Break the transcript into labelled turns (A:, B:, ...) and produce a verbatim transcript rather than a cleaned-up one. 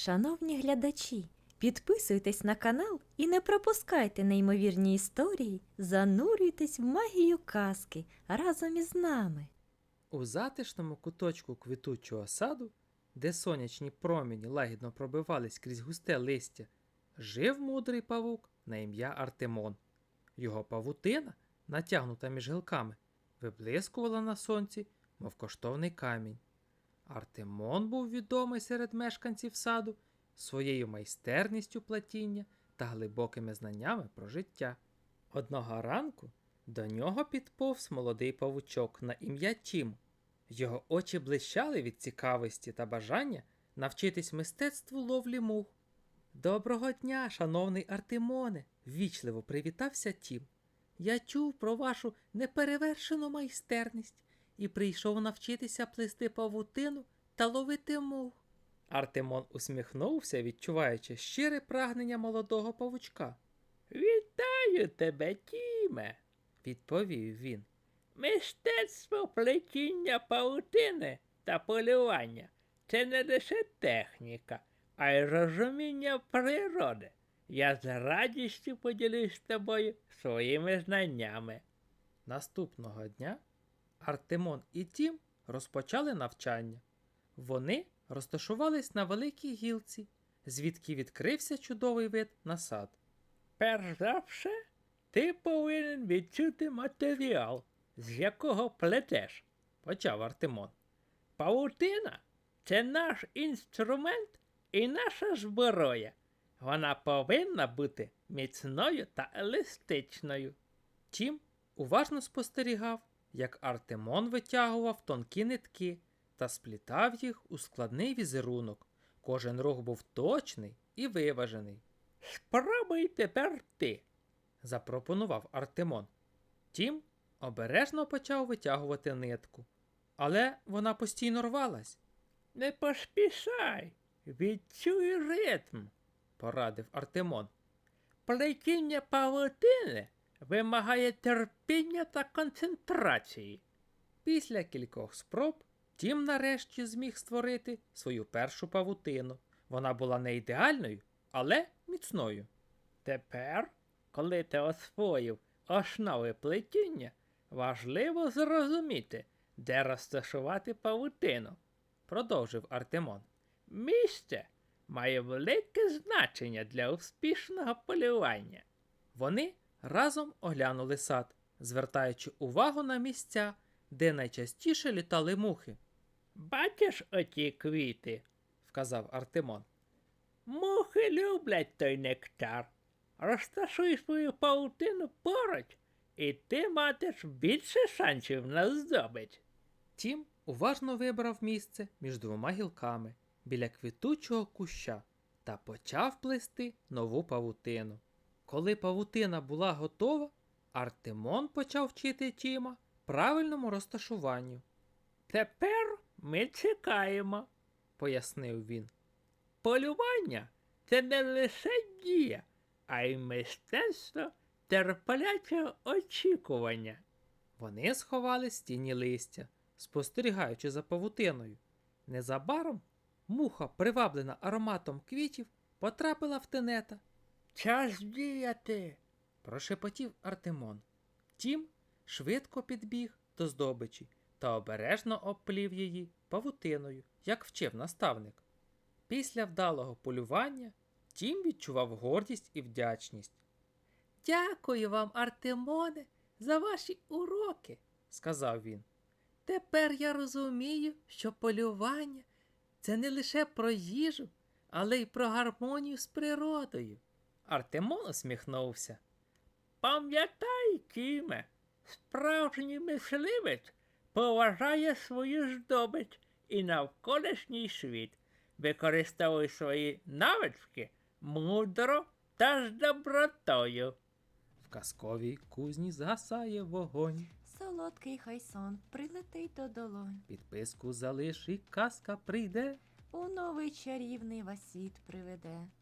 A: Шановні глядачі, підписуйтесь на канал і не пропускайте неймовірні історії, занурюйтесь в магію казки разом із нами.
B: У затишному куточку квітучого саду, де сонячні промені лагідно пробивались крізь густе листя, жив мудрий павук на ім'я Артемон. Його павутина, натягнута між гілками, виблискувала на сонці, мов коштовний камінь. Артемон був відомий серед мешканців саду своєю майстерністю плетіння та глибокими знаннями про життя. Одного ранку до нього підповз молодий павучок на ім'я Тім. Його очі блищали від цікавості та бажання навчитись мистецтву ловлі мух. «Доброго дня, шановний Артемоне!» – ввічливо привітався Тім. «Я чув про вашу неперевершену майстерність і прийшов навчитися плести павутину та ловити мух». Артемон усміхнувся, відчуваючи щире прагнення молодого павучка.
C: «Вітаю тебе, Тіме!»
B: – відповів він.
C: «Мистецтво плетіння павутини та полювання – це не лише техніка, а й розуміння природи. Я з радістю поділюсь з тобою своїми знаннями».
B: Наступного дня Артемон і Тім розпочали навчання. Вони розташувались на великій гілці, звідки відкрився чудовий вид на сад.
C: «Перш за все, ти повинен відчути матеріал, з якого плетеш», –
B: почав Артемон.
C: «Павутина – це наш інструмент і наша зброя. Вона повинна бути міцною та еластичною».
B: Тім уважно спостерігав, як Артемон витягував тонкі нитки та сплітав їх у складний візерунок. Кожен рух був точний і виважений.
C: «Спробуй тепер ти»,
B: – запропонував Артемон. Тім обережно почав витягувати нитку, але вона постійно рвалась.
C: «Не поспішай, відчуй ритм», –
B: порадив Артемон.
C: «Плетіння павутини вимагає терпіння та концентрації».
B: Після кількох спроб Тім нарешті зміг створити свою першу павутину. Вона була не ідеальною, але міцною.
C: «Тепер, коли ти освоїв основи плетіння, важливо зрозуміти, де розташувати павутину», –
B: продовжив Артемон.
C: «Місце має велике значення для успішного полювання».
B: Вони разом оглянули сад, звертаючи увагу на місця, де найчастіше літали мухи.
C: «Бачиш оті квіти?»
B: – вказав Артемон.
C: «Мухи люблять той нектар. Розташуй свою павутину поруч, і ти матиш більше шансів на здобич».
B: Тім уважно вибрав місце між двома гілками, біля квітучого куща, та почав плести нову павутину. Коли павутина була готова, Артемон почав вчити Тіма правильному розташуванню.
C: «Тепер ми чекаємо»,
B: – пояснив він.
C: «Полювання – це не лише дія, а й мистецтво терплячого очікування».
B: Вони сховались в тіні листя, спостерігаючи за павутиною. Незабаром муха, приваблена ароматом квітів, потрапила в тенета.
C: «Час діяти»,
B: – прошепотів Артемон. Тім швидко підбіг до здобичі та обережно обплів її павутиною, як вчив наставник. Після вдалого полювання Тім відчував гордість і вдячність. «Дякую вам, Артемоне, за ваші уроки», – сказав він. «Тепер я розумію, що полювання – це не лише про їжу, але й про гармонію з природою». Артемон усміхнувся.
C: «Пам'ятай, Тіме, справжній мисливець поважає свою здобич і навколишній світ. Використовуй свої навички мудро та з добротою».
B: В казковій кузні згасає вогонь.
A: Солодкий хай сон прилетить до долонь.
B: Підписку залиш і казка прийде.
A: У новий чарівний вас світ приведе.